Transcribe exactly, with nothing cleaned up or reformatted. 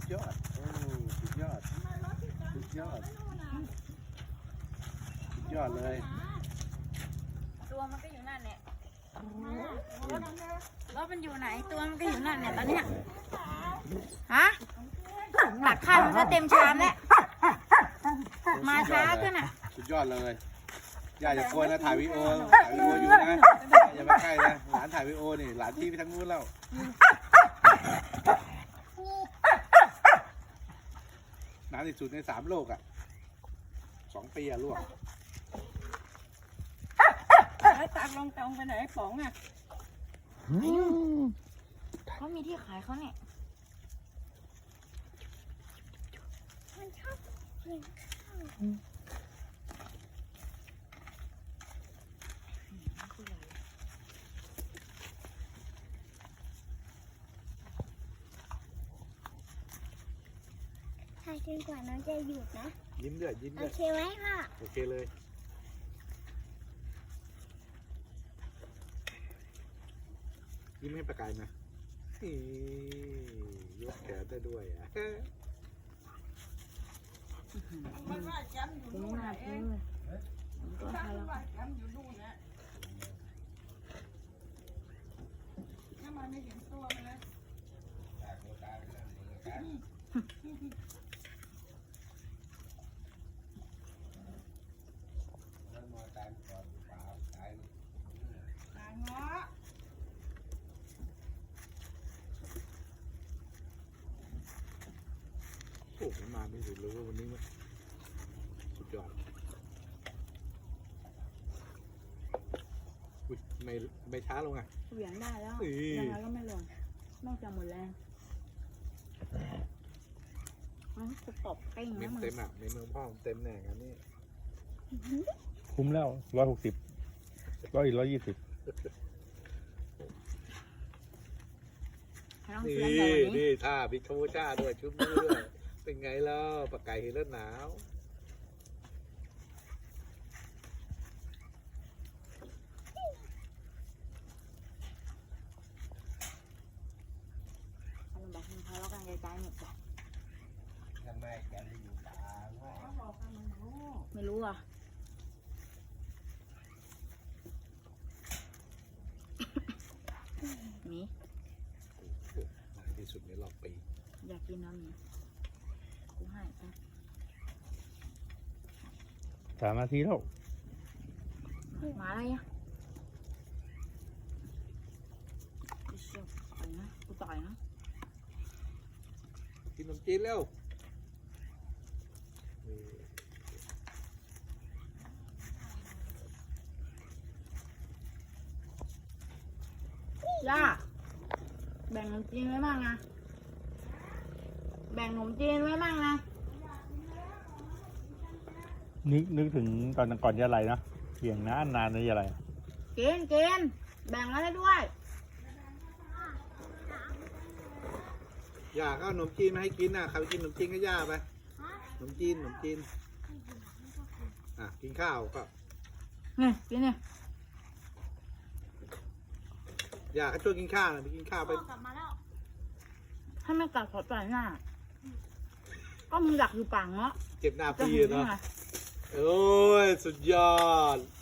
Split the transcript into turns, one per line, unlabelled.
ยอดโอ้สุดยอดสุดยอดสุดยอดเลย
ตัวมันก็อยู่นั่นแหละรถมันอยู่ไหนตัวมันก็อยู่นั่นเนี่ยตอนเนี้ยฮะตักข้าวมันก็เต็มชามแล้วมาช้าขึ้นอ่ะ
สุดยอดเลยอย่าอย่ากลัวนะถ่ายวีดีโอถ่ายวีดีโออยู่นะอย่าไปใกล้นะหลานถ่ายวีดีโอนี่หลานที่ไปทางนู้นแล้วนานที่สุดในสามโลกอ่ะสองปีอ่ะลูก
แล้วตักลงตรงไปไหนป๋องอ่ะ
เขามีที่ขายเขาเนี่ย
มันชอบกินข้าวถ่ายจนกว่าน้องจะหยุดนะ
ยิ้มด้วยยิ้มด้วย
โอเคไหมพ่อ
โอเคเลยยิ้มให้ประกายนะยกแขนได้ด้วยอ่ะ
มันว่าจำอยู่นู่นเองมันว่าจำอยู่นู่นนะถ้ามันไม่เห็นตัวมันเลย
โอ้โหมาไม่ถึงเลยว่าวันนี้มั้ยสุดยอดอุ้ยไม่ไม่ช้าลงอ่ะ
เหวี่ยงได้แล้วยังไงก็ไม่ลงนอกจากหมดแรงมันจะตบเป้งนะมึง
เต็มอ่ะในเมืองพ่อเต็มแน่งอันนี้
คุ้มแล้วร้อยหกสิบร้อยอีกร้อยยี่สิบ
นี่นี่ท่าพิคาโมชาด้วยชุดมือด้วยเป็นไงล่ะปากไก่เห็นแล้วหนาว
มันแบบมันทะเลาะกันใจๆหมดจ้ะ
ทำไมแกไม่อยู่ป่า
ไม่รู้อ่ะมี
ที่สุดในรอบปี
อยากกินน้ำนี้กูให้ไป
สามนาทีแล้ว
มาอะไรอ่ะต่อยนะกูต่อยนะ
กินขนมจีนเร็ว
ย่าแบ่งขนมจีนไว้บ้างนะแบ่งขนมจีนไว้บ้างนะ
นึกนึกถึงตอนก่อนยาไรนะเสียงนานนานเลยยาไร
กินกินแบ่งอะไรด้วย
ย่าก็ขนมจีนมาให้กินน่ะใครไปกินขนมจีนก็ย่าไปขนมจีนขนมจีนอ่ะกินข้าวก็
นี่กินเนี่ย
ย่าก็ช่วยกินข้าวหน่อยไปกินข้าวไป
ถ้าไม่กัดขอต่อยหน้าก็มึงอยากอยู่ป่างเนาะ
เจ็บหน้าปีเนาะโอ้ยสุดยอด